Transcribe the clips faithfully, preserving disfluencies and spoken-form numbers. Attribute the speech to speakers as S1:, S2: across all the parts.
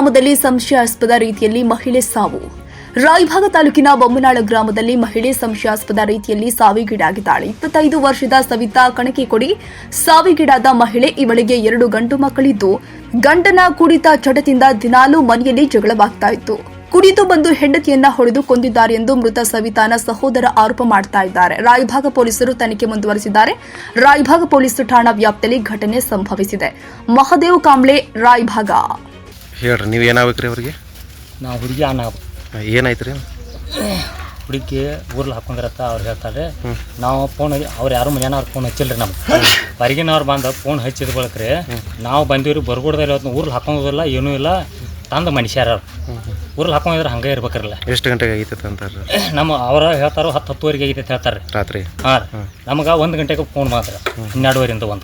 S1: ಗ್ರಾಮದಲ್ಲಿ ಸಂಶಯಾಸ್ಪದ ರೀತಿಯಲ್ಲಿ ಮಹಿಳೆ ಸಾವು. ರಾಯಭಾಗ ತಾಲೂಕಿನ ಬೊಮ್ಮನಾಳ ಗ್ರಾಮದಲ್ಲಿ ಮಹಿಳೆ ಸಂಶಯಾಸ್ಪದ ರೀತಿಯಲ್ಲಿ ಸಾವಿಗೀಡಾಗಿದ್ದಾಳೆ. ಇಪ್ಪತ್ತೈದು ವರ್ಷದ ಸವಿತಾ ಕಣಕಿಕೊಡಿ ಸಾವಿಗೀಡಾದ ಮಹಿಳೆ. ಇವಳಿಗೆ ಎರಡು ಗಂಡು ಮಕ್ಕಳಿದ್ದು, ಗಂಡನ ಕುಡಿತ ಚಟದಿಂದ ದಿನಾಲೂ ಮನೆಯಲ್ಲಿ ಜಗಳವಾಗ್ತಾ ಇತ್ತು. ಕುಡಿದು ಬಂದು ಹೆಂಡತಿಯನ್ನ ಹೊಡೆದು ಕೊಂದಿದ್ದಾರೆ ಎಂದು ಮೃತ ಸವಿತಾನ ಸಹೋದರ ಆರೋಪ ಮಾಡ್ತಾ ಇದ್ದಾರೆ. ರಾಯಭಾಗ ಪೊಲೀಸರು ತನಿಖೆ ಮುಂದುವರೆಸಿದ್ದಾರೆ. ರಾಯಭಾಗ ಪೊಲೀಸ್ ಠಾಣಾ ವ್ಯಾಪ್ತಿಯಲ್ಲಿ ಘಟನೆ ಸಂಭವಿಸಿದೆ. ಮಹದೇವ್ ಕಾಂಬ್ಳೆ, ರಾಯಭಾಗ.
S2: ಹೇಳ್ರಿ, ನೀವು ಏನಾಗ್ಬೇಕ್ರಿ ಅವ್ರಿಗೆ?
S3: ನಾವು ಹುಡುಗಿ ಅನ್ನ
S2: ಏನಾಯ್ತು ರೀ?
S3: ಹುಡುಗಿ ಊರ್ಲಿ ಹಾಕೊಂಡಿರತ್ತ ಅವ್ರು ಹೇಳ್ತಾರೆ. ನಾವು ಫೋನ್ ಅವ್ರು ಯಾರು ಮನೆಯವ್ರು ಫೋನ್ ಹಚ್ಚಿಲ್ರಿ. ನಮ್ಗೆ ಹೊರಗಿನವ್ರು ಬಂದು ಫೋನ್ ಹಚ್ಚಿದ ಬಳಕ್ರಿ ನಾವು ಬಂದೀವ್ರಿ. ಬರ್ಕೊಡ್ದಾರ ಇವತ್ತು ಊರ್ಲಿ ಹಾಕೊಂಡೋದಿಲ್ಲ, ಏನೂ ಇಲ್ಲ. ತಂದು ಮನುಷ್ಯರ ಊರಲ್ಲಿ ಹಾಕೊಂಡಿದ್ರೆ ಹಂಗೆ ಇರ್ಬೇಕ್ರಲ್ಲ.
S2: ಎಷ್ಟು ಗಂಟೆಗೆ ಆಗೈತೆ ಅಂತಾರೆ?
S3: ನಮ್ಮ ಅವ್ರ ಹೇಳ್ತಾರೋ ಹತ್ತು ಹತ್ತುವರೆಗೆ ಆಗೈತೆ ಹೇಳ್ತಾರೆ
S2: ರಾತ್ರಿ.
S3: ಹಾಂ ರೀ, ನಮಗೆ ಒಂದು ಗಂಟೆಗೆ ಫೋನ್ ಮಾತ್ರ ಹನ್ನೆರಡುವರೆಯಿಂದ ಒಂದು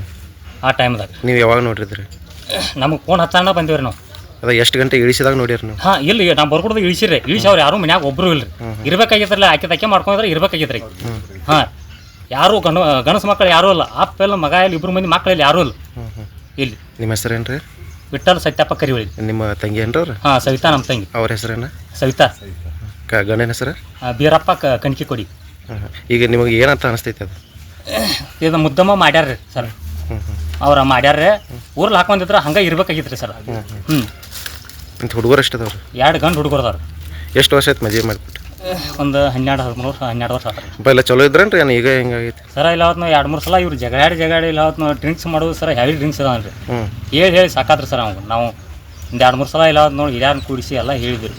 S3: ಆ ಟೈಮ್ದಾಗ.
S2: ನೀವು ಯಾವಾಗ ನೋಡಿದ್ರಿ?
S3: ನಮಗೆ ಫೋನ್ ಹಚ್ಚಣ್ಣ ಬಂದೀವ್ರಿ ನಾವು.
S2: ಅದ ಎಷ್ಟು ಗಂಟೆ ಇಳಿಸಿದಾಗ ನೋಡಿರಿ ನೀವು?
S3: ಹಾಂ, ಇಲ್ಲಿ ನಾವು ಬರ್ಕೊಡ್ದು ಇಳಿಸಿರಿ. ಇಳಿಸಿ ಅವ್ರು ಯಾರು ಮನ್ಯಾಗ ಒಬ್ಬರು ಇಲ್ರಿ. ಇರ್ಬೇಕಾಗಿದ್ರಲ್ಲ, ಆಕೆ ತಕ್ಕೆ ಮಾಡ್ಕೊಂಡಿದ್ರೆ ಇರ್ಬೇಕಾಗಿದ್ರಿ. ಹಾಂ, ಯಾರು ಗಣ ಗಣಸು ಮಕ್ಕಳು ಯಾರೂ ಇಲ್ಲ. ಅಪ್ಪ ಎಲ್ಲ ಮಗ ಇಲ್ಲಿ ಇಬ್ಬರು ಮಂದಿ ಮಕ್ಕಳಲ್ಲಿ ಯಾರೂ ಇಲ್ಲ ಇಲ್ಲಿ.
S2: ನಿಮ್ಮ ಹೆಸರೇನು ರೀ?
S3: ವಿಠ್ಠಲ್ ಸತ್ಯಪ್ಪ ಕರಿವಳಿ.
S2: ನಿಮ್ಮ ತಂಗಿ ಏನ್ರಿ ಅವ್ರು?
S3: ಹಾಂ, ಸವಿತಾ ನಮ್ಮ ತಂಗಿ.
S2: ಅವ್ರ ಹೆಸರೇನ?
S3: ಸವಿತಾ.
S2: ಕ ಗಂಡನ ಹೆಸರು?
S3: ಬೀರಪ್ಪ ಕಣಕಿ ಕೊಡಿ.
S2: ಈಗ ನಿಮಗೆ ಏನಂತ ಅನಿಸ್ತೈತೆ ಅದು?
S3: ಇದು ಮುದ್ದಮ್ಮ ಮಾಡ್ಯಾರ್ರಿ ಸರ್. ಅವ್ರ ಮಾಡ್ಯಾರ್ರಿ. ಊರಲ್ಲಿ ಹಾಕೊಂಡಿದ್ರೆ ಹಂಗೆ ಇರ್ಬೇಕಾಗಿತ್ತು ಸರ್. ಹ್ಞೂ,
S2: ಇಂಥ ಹುಡುಗರು ಎಷ್ಟು ಅದಾವ್ರಿ?
S3: ಎರಡು ಗಂಡು ಹುಡುಗರದವ್ರು.
S2: ಎಷ್ಟು ವರ್ಷ ಆಯ್ತು ಮದುವೆ ಮಾಡಿಬಿಟ್ಟು?
S3: ಒಂದು ಹನ್ನೆರಡು ಹದಿಮೂರು ವರ್ಷ ಹನ್ನೆರಡು ವರ್ಷ ಆತಾರೆ.
S2: ಎಲ್ಲ ಚಲೋ ಇದ್ರೇನ್ರಿ? ಏನು ಈಗ ಹೆಂಗಾಗೈತಿ
S3: ಸರ? ಇಲ್ಲ ಹೊತ್ತು ಎರಡು ಮೂರು ಸಲ ಇವ್ರು ಜಗಾಡಿ ಜಗಾಡಿ ಇಲ್ಲ ಹೊತ್ತು ಡ್ರಿಂಕ್ಸ್ ಮಾಡೋದು ಸರ್. Heavy drinks ಅದಾವನ್ರಿ. ಹೇಳಿ ಹೇಳಿ ಸಾಕಾದ್ರಿ ಸರ್. ಅವ್ನು ನಾವು ಒಂದು ಎರಡು ಮೂರು ಸಲ ಇಲ್ಲ ಹೊತ್ತು ನೋಡಿ ಹಿರಿಯರನ್ನ ಕೂಡಿಸಿ ಎಲ್ಲ ಹೇಳಿದ್ರಿ.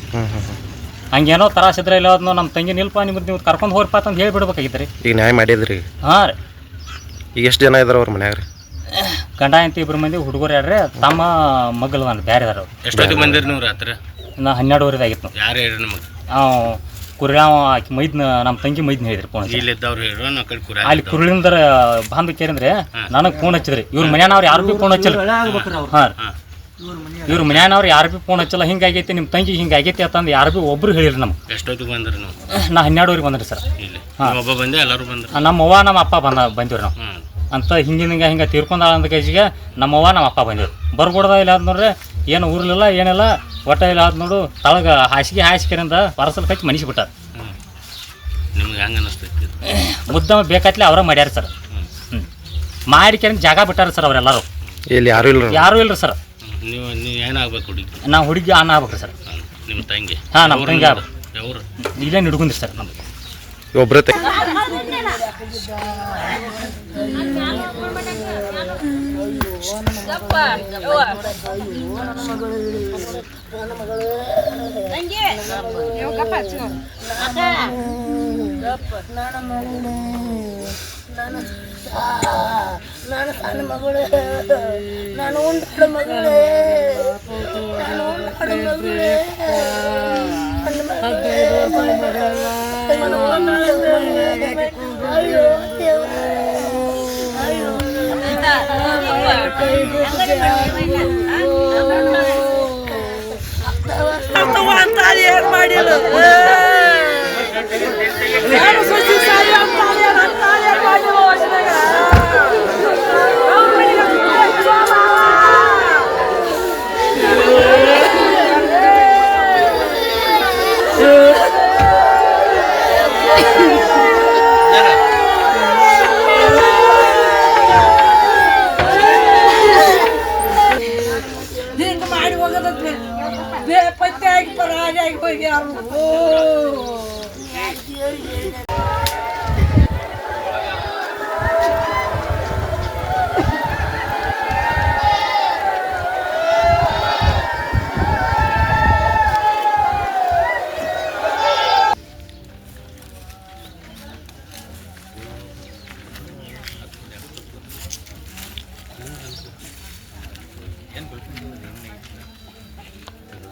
S3: ಹಂಗೇನೋ ತರಾಸಿದ್ರೆ ಇಲ್ಲ ಹೊತ್ತು ನಮ್ಮ ತಂಗಿ ನಿಲ್ಪ ನಿಮ್ದು ನೀವು ಕರ್ಕೊಂಡು ಹೋಗ್ರಪ್ಪ ಅಂತ ಹೇಳಿಬಿಡ್ಬೇಕಾಗಿತ್ತು ರೀ.
S2: ಈಗ ನ್ಯಾಯ ಮಾಡಿದ್ರಿ?
S3: ಹಾಂ ರೀ.
S2: ಈಗ ಎಷ್ಟು ಜನ ಇದಾರೆ ಅವ್ರ ಮನ್ಯಾಗ ರೀ?
S3: ಗಂಡ ಅಂತ ಇಬ್ಬರು ಮಂದಿ ಹುಡುಗರು ಯಾರ್ರಿ, ತಮ್ಮ ಮಗ್ಗಲ್ ನಾನು ಬೇರೆ ಅದಾರ.
S4: ಎಷ್ಟೊತ್ತಿಗೆ ಬಂದಿರಿ ನೀವು ರಾತ್ರಿ?
S3: ನಾ ಹನ್ನೆರಡುವರೆದು ಆಗಿತ್ತು. ನಾವು
S4: ಯಾರು ಹೇಳ್ರಿ ನಮಗೆ?
S3: ನಾವು ಕುರಿಯಾವ ಆಕಿ ಮೈದ್ನ ನಮ್ಮ ತಂಗಿ ಮೈದ್ನ ಹೇಳಿದ್ರಿ ಫೋನ್.
S4: ಇಲ್ಲಿದ್ದವ್ರು ಹೇಳ್ರು ನಾ ಕಡೆ ಕುರಿ
S3: ಅಲ್ಲಿ ಕುರುಳಿಂದ ಬಂದು ಕೇರಿಂದ್ರೆ ನನಗೆ ಫೋನ್ ಹಚ್ಚಿದ್ರಿ. ಇವ್ರ ಮನ್ಯಾನವ್ರು ಯಾರು ಭೀ ಫೋನ್ ಹಚ್ಚಿಲ್ಲ. ಹಾಂ, ಇವ್ರ ಮನ್ಯಾನವ್ರು ಯಾರು ಭೀ ಫೋನ್ ಹಚ್ಚಲ್ಲ. ಹಿಂಗಾಗೈತಿ ನಿಮ್ಮ ತಂಗಿ ಹಿಂಗಾಗೈತಿ ಅಂತಂದು ಯಾರು ಭೀ ಒಬ್ರು ಹೇಳಿರಿ ನಮ್ಗೆ.
S4: ಎಷ್ಟೊತ್ತಿಗೆ ಬಂದ್ರಿ ನೀವು?
S3: ನಾ ಹನ್ನೆರಡುವರೆಗೆ ಬಂದ್ರಿ ಸರ್.
S4: ಇಲ್ಲಿ ಒಬ್ಬ ಬಂದೆ ಎಲ್ಲರೂ ಬಂದ್ರಿ?
S3: ನಮ್ಮ ಅವ್ವ ನಮ್ಮ ಅಪ್ಪ ಬಂದ ಬಂದಿವ್ರಿ ನಾವು ಅಂತ. ಹಿಂಗಿನ ಹಿಂಗೆ ಹಿಂಗೆ ತೀರ್ಕೊಂಡಾಳ ಅಂದ ಕೇಜಿಗೆ ನಮ್ಮವ್ವ ನಮ್ಮ ಅಪ್ಪ ಬಂದಿವ್ರಿ. ಬರ್ಕೊಡ್ದ ಇಲ್ಲ ಆದ್ ನೋಡ್ರಿ, ಏನು ಊರ್ಲಿಲ್ಲ ಏನಿಲ್ಲ. ಒಟ್ಟ ಇಲ್ಲ ಆದ್ ನೋಡು ತಳಗ ಹಾಸಿಗೆ ಹಾಸಿಗೆರಿಂದ ಪರಸಲ್ ಕಚ್ಚಿ ಮನಿಸ್ಬಿಟ್ಟಾರ.
S4: ನಿಮ್ಗೆ ಹೆಂಗೆ ಅನಿಸ್ತೈತಿ?
S3: ಮುದ್ದಮ ಬೇಕಾತ್ಲೆ ಅವರ ಮಾಡ್ಯಾರ ಸರ್. ಹ್ಞೂ, ಮಾಡಿಕೆಂದು ಜಾಗ ಬಿಟ್ಟಾರ ಸರ್ ಅವರೆಲ್ಲರೂ.
S2: ಇಲ್ಲಿ ಯಾರು ಇಲ್ಲ?
S3: ಯಾರೂ ಇಲ್ರಿ ಸರ್.
S4: ನೀವು ನೀವು ಏನಾಗ್ಬೇಕು ಹುಡುಗಿ?
S3: ನಾವು ಹುಡುಗಿ ಅನ್ನ ಆಗ್ಬೇಕ್ರಿ ಸರ್.
S4: ನಿಮ್ಮ ತಂಗಿ?
S3: ಹಾಂ, ನಮ್ಮ ತಂಗಿ ಆಗ್ಬೇಕು.
S4: ಯಾವ್ರು?
S3: ಇಲ್ಲೇ ಹಿಡ್ಕೊಂಡ್ರಿ ಸರ್ ನಮ್ಗೆ.
S2: ಒಬ್ಬರೇ
S5: ನಾನು ಸಣ್ಣ ಮಗಳೇ, ನಾನು ಉಂಟಾಡ ಮಗಳೇ, ನಾನು ಉಂಟಾಡ ಮಗಳೇ, ಅಯ್ಯೋ ಅಯ್ಯೋ ಏನ್ ಮಾಡಿಲ್ಲ. ಹಿಂಗೆ ಮಾಡಿ ಹೋಗೋದ ಬೇಪತ್ತೆ ಆಗಿ ಪರಾಗಿ ಆಗಿ ಹೋಗಿ